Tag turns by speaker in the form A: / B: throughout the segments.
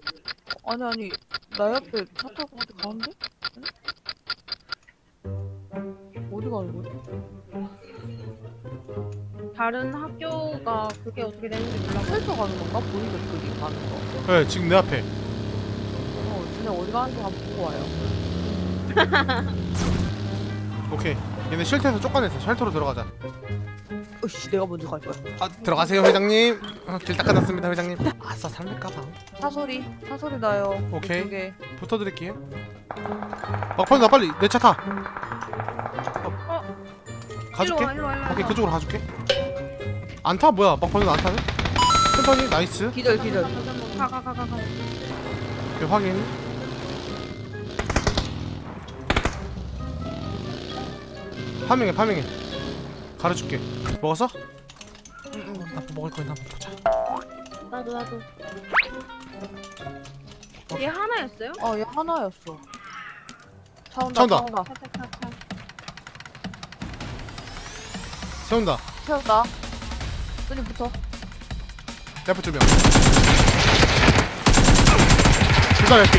A: 아니 나 옆에 차 타고 어디 가는데? 응? 어디 가는 거지?
B: 다른 학교가 그게 어떻게 되는지 몰라.
A: 헬터 가는 건가? 보이죠 그기 가는 거.
C: 네 지금 내 앞에.
A: 쟤네 어디 가는지 한번 보고 와요.
C: 오케이 얘네 쉘터에서 쫓아냈어. 쉘터로 들어가자.
A: 으씨 내가 먼저 갈 거야.
C: 아 들어가세요 회장님. 길 닦아놨습니다 회장님. 아싸 삼렙 가방.
A: 사소리 나요.
C: 오케이.
A: 이쪽에.
C: 붙어드릴게요. 막판에 나 빨리 내 차 타. 가줄게.
B: 일로 와.
C: 오케이 그쪽으로 가줄게. 안 타? 뭐야 막판에 안 타네? 천천히 나이스.
A: 기절.
B: 가.
C: 오케이 확인. 파밍해. 가르쳐줄게. 먹었어?
A: 응.
C: 나 먹을 거야. 나 한번 보자.
B: 나도. 얘 하나였어요?
A: 얘 하나였어. 차
C: 차 온다.
A: 온다.
B: 차.
C: 세운다.
A: 세운다. 끈이 붙어.
C: 내 앞에 두 명. 둘다 랩피.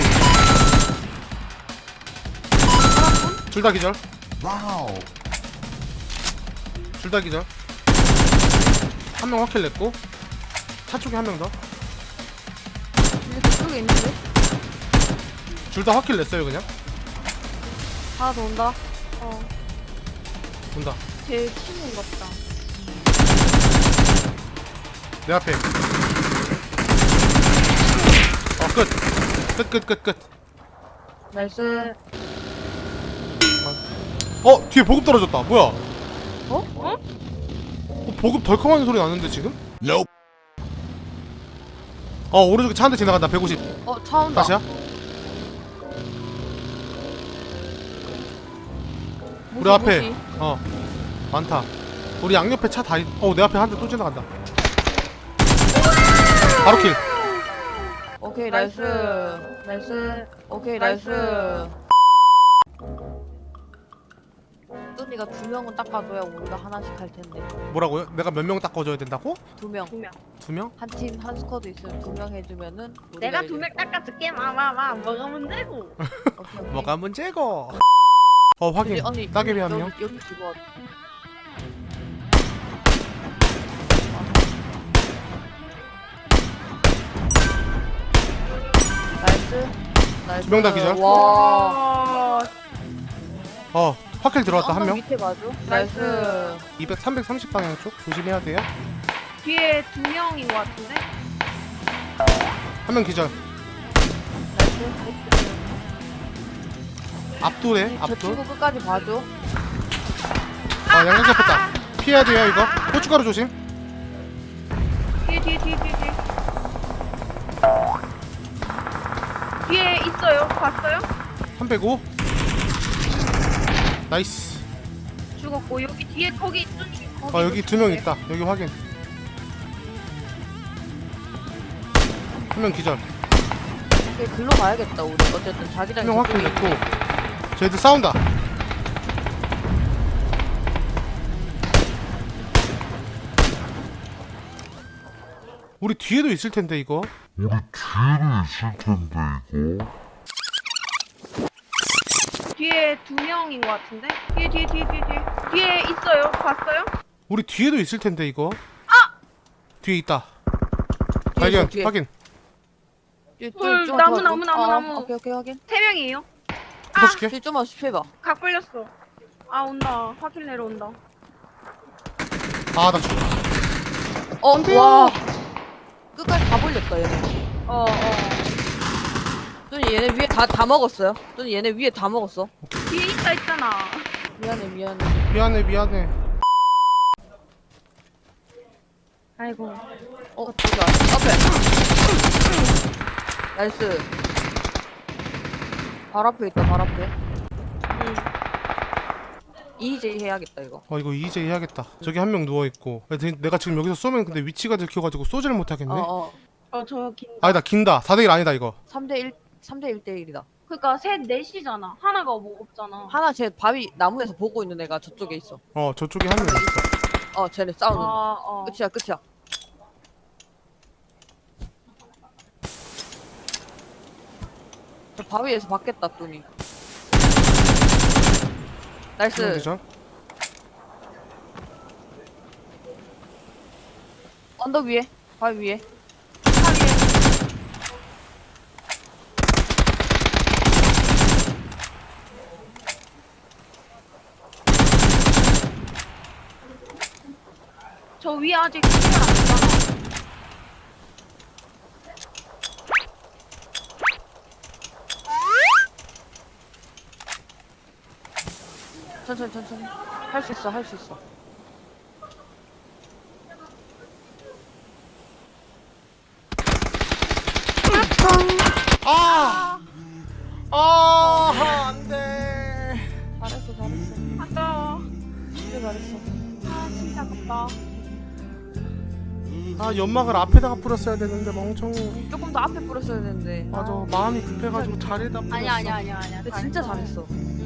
C: 둘 다 기절.
D: 와우.
C: 둘 다 기절. 한 명 확킬 냈고 차 쪽에 한 명 더.
A: 근데 그쪽에 있는데?
C: 둘 다 확킬 냈어요 그냥.
A: 하나 더 온다.
C: 온다.
B: 제 친구인 것 같다.
C: 내 앞에. 끝.
A: 나이스.
C: 뒤에 보급 떨어졌다. 뭐야?
A: 어?
C: 보급 덜컹하는 소리 나는데 지금?
D: Nope.
C: 오른쪽에 차 한 대 지나간다. 150.
A: 차 온다.
C: 다시야? 우리 앞에. 많다. 우리 양옆에 차 다 내 앞에 한 대 또 지나간다. 바로 킬.
A: 오케이
B: 나이스.
A: 나이스. 오케이
B: 나이스.
A: 나이스. 뚜니가 2명은 닦아줘야 우리가 하나씩 할 텐데.
C: 뭐라고요? 내가 몇 명 닦아줘야 된다고?
A: 2명.
B: 2명.
C: 2명?
A: 한 팀 한 스쿼드 있으면 2명 해주면은
B: 내가
A: 우리가
B: 2명 닦아줄게. 마마마. 뭐가 문제고?
A: 오케이.
C: 뭐가 문제고? 확인.
A: 언니
C: 따개비 한 명.
A: 여기 집어. 나이스.
C: 2명 다 기절.
A: 와.
C: 확킬 들어왔다. 한 명.
A: 밑에 봐줘.
B: 나이스.
A: 나이스.
C: 330 방향 쪽 조심해야 돼요.
B: 뒤에 2명인 것 같은데?
C: 한 명 기절.
A: 나이스.
C: 앞돌에
A: 저
C: 앞돌.
A: 친구 끝까지 봐줘.
C: 양각 잡혔다. 피해야 돼요 이거. 고춧가루 조심.
B: 뒤에. 뒤에 있어요. 봤어요?
C: 305. 나이스.
B: 죽었고 여기 뒤에 거기 있던지.
C: 여기 2명 있다. 여기 확인. 한 명 기절.
A: 오케이, 글로 가야겠다 우리. 어쨌든 자기장이
C: 한 명 확인
A: 저쪽에
C: 냈고. 쟤들 싸운다. 우리 뒤에도 있을 텐데 이거.
D: 우리 뒤에는 있을 텐데 이거.
B: 뒤에 2명인 것 같은데? 뒤에 있어요. 봤어요?
C: 우리 뒤에도 있을 텐데 이거. 뒤에 있다.
A: 뒤에
C: 발견.
A: 있어, 뒤에.
C: 확인.
B: 헐,
A: 좀만
B: 나무,
A: 도와줘.
B: 나무.
A: 오케이 확인.
B: 3명이에요.
C: 붙어줄게.
A: 뒤 좀만 씹혀봐.
B: 각 걸렸어. 아 온다. 확인 내려온다.
C: 나 죽어.
A: 와. 끝까지 다 벌렸다 얘네. 뚜니 얘네 위에 다 먹었어요. 뚜니 얘네 위에 다 먹었어.
B: 뒤에 있다 했잖아.
A: 미안해.
C: 미안해.
B: 아이고.
A: 저기 앞에. 나이스. 발 앞에 있다. 발 앞에. EJ 해야겠다 이거.
C: 이거 EJ 해야겠다. 저기 한 명 누워있고. 내가 지금 여기서 쏘면 근데 위치가 들켜가지고 쏘지를 못하겠네.
B: 저 긴.
C: 아니다 긴다. 4대1 아니다 이거.
A: 3대 1대1이다.
B: 그러니까 넷이잖아. 하나가 뭐 없잖아.
A: 하나 쟤 바위 나무에서 보고 있는 애가 저쪽에 있어.
C: 저쪽에 한 명 있어.
A: 쟤네 싸우는. 끝이야. 저 바위에서 받겠다 뚜니.
C: 한명
A: 나이스.
C: 기절.
A: 언덕 위에. 바위 위에. 차 위에.
B: 저 위에 아직 시간 안 됐잖아.
A: 천천히. 할 수 있어.
C: 안돼.
A: 잘했어.
B: 아까
A: 진짜 잘했어.
B: 아 진짜 아깝다.
C: 연막을 앞에다가 뿌렸어야 되는데 멍청.
A: 조금 더 앞에 뿌렸어야 되는데.
C: 맞아, 마음이 급해가지고 자리에다 뿌렸어.
B: 아니야.
A: 근데 진짜 잘했어.